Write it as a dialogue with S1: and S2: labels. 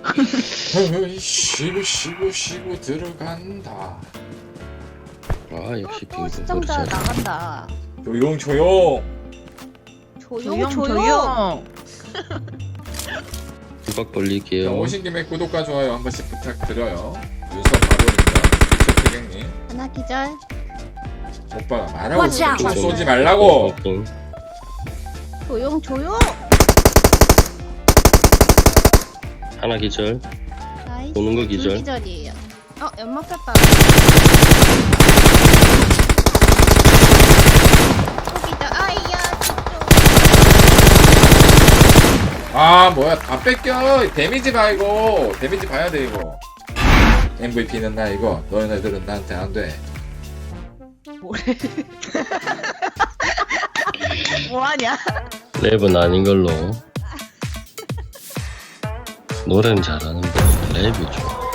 S1: 쉬고 들어간다.
S2: 아 역시
S3: 또
S2: 빙고
S3: 시청자
S2: 그렇죠.
S3: 나간다.
S1: 조용.
S3: 조용.
S2: 두박
S1: 자,
S2: 벌릴게요.
S1: 오신 김에 구독과 좋아요 한 번씩 부탁드려요. 윤서 바로입니다. 유채피객님.
S3: 하나 기절.
S1: 오빠가 말하고
S3: Watch out.
S1: 총 쏘지 말라고.
S3: 조용.
S2: 하나 기절.
S3: 나이스.
S2: 보는 거
S3: 둘
S2: 기절.
S3: 기절이에요. 연막 폈다. 또 기절. 아이야.
S1: 아 뭐야 다 뺏겨. 데미지 봐 이거. 데미지 봐야 돼 이거. MVP는 나 이거. 너희네들은 나한테 안 돼.
S3: 뭐래? 뭐하냐?
S2: 랩은 아닌 걸로. 노래는 잘하는데 랩이 좀.